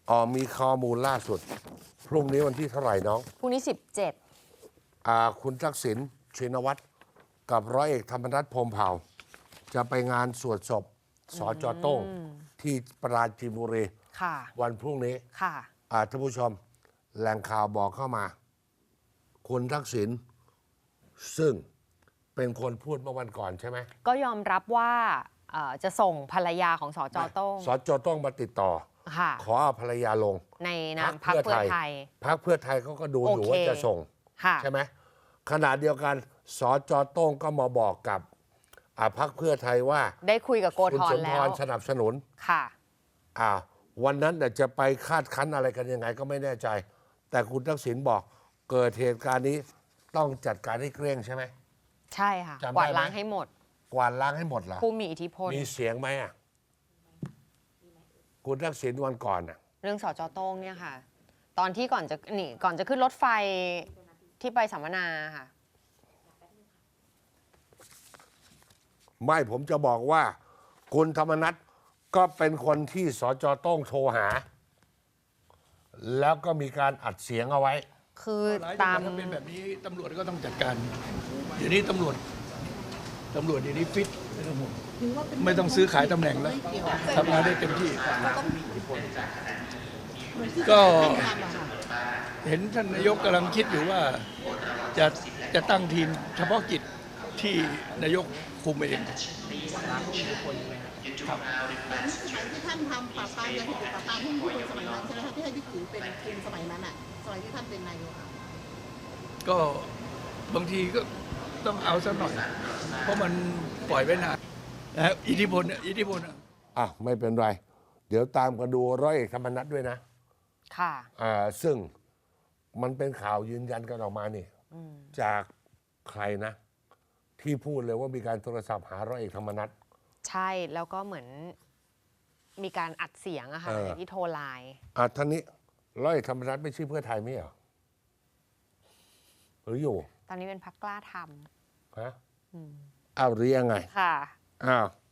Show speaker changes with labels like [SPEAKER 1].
[SPEAKER 1] มีข้อมูลล่าสุดพรุ่งนี้วันที่เท่าไหร่น้อง
[SPEAKER 2] พรุ่งนี้17
[SPEAKER 1] คุณทักษิณชินวัตรกับร้อยเอกธรรมนัฐพรหมเผ่าจะไปงานสวดศพสจ.โต้งที่ปราจีนบุรีวันพรุ่งนี้ท่านผู้ชมแหล่งข่าวบอกเข้ามาคุณทักษิณซึ่งเป็นคนพูดเมื่อวันก่อนใช่ไหม
[SPEAKER 2] ก็ยอมรับว่าจะส่งภรรยาของสจ.โต้ง
[SPEAKER 1] สจ.โต้งมาติดต่อขอเอาภรรยาลง
[SPEAKER 2] ในนามพรรคเพื่อไทย
[SPEAKER 1] พรรคเพื่อไทยเขาก็ดูอยู่ว่าจะส่งใช่ไหมขณะเดียวกันสจ.โต้งก็มาบอกกับพรรคเพื่อไทยว่า
[SPEAKER 2] ได้คุยกับโกธรแล้วคุณ
[SPEAKER 1] สมพรสนับสนุนวันนั้นจะไปคาดคั้นอะไรกันยังไงก็ไม่แน่ใจแต่คุณทักษิณบอกเกิดเหตุการณ์นี้ต้องจัดการให้เกลี้ยงใช่ไหม
[SPEAKER 2] ใช่ค่ะกวาดล้างให้หมด
[SPEAKER 1] กวาดล้างให้หมดเหรอ
[SPEAKER 2] ผู้มีอิทธิพล
[SPEAKER 1] มีเสียงไหมคุณทักษิณวันก่อน
[SPEAKER 2] เรื่องสจ.โต้งเนี่ยค่ะตอนที่ก่อนจะขึ้นรถไฟที่ไปสัมมนาค่ะ
[SPEAKER 1] ไม่ผมจะบอกว่าคุณธรรมนัสก็เป็นคนที่สจ.โต้งโทรหาแล้วก็มีการอัดเสียงเอาไว้
[SPEAKER 2] คือตาม
[SPEAKER 3] เป็นแบบนี้ตำรวจก็ต้องจัดการเดี๋ยวนี้ตำรวจเดี๋ยวนี้ฟิตไม่ต้องซื้อขายตำแหน่งแล้วทำงานได้เต็มที่ก็เห็นท่านนายกกำลังคิดอยู่ว่าจะตั้งทีมเฉพาะกิจที่นายกคุมเอง
[SPEAKER 4] ที่ท่านทำปราบปรามยาเสพติดปราบปรามหุ้นคนสมัยนั้นใช่ไหมคะที่ให้บิ๊กตู่เป็นคุมสมัยนั้นสมัยที่ท่านเป็นนายก
[SPEAKER 3] ก็บางทีก็ต้องเอาสักหน่อยเพราะมันปล่อยไว้นานอิทธิพล
[SPEAKER 1] ไม่เป็นไรเดี๋ยวตามกันดูร้อยเอกธรรมนัสด้วยนะซึ่งมันเป็นข่าวยืนยันกันออกมานี่จากใครนะที่พูดเลยว่ามีการโทรศัพท์หาร้อยเอกธรรมนัส
[SPEAKER 2] ใช่แล้วก็เหมือนมีการอัดเสียงอะค่ะที่โทรไลน์
[SPEAKER 1] ท่านนี้ร้อยเอกธรรมนัสไม่ใช่เพื่อไทยไม่เหรอหรืออยู่
[SPEAKER 2] ตอนนี้เป็นพรรคกล้าทำ
[SPEAKER 1] หรือยังไง
[SPEAKER 2] ค่ะ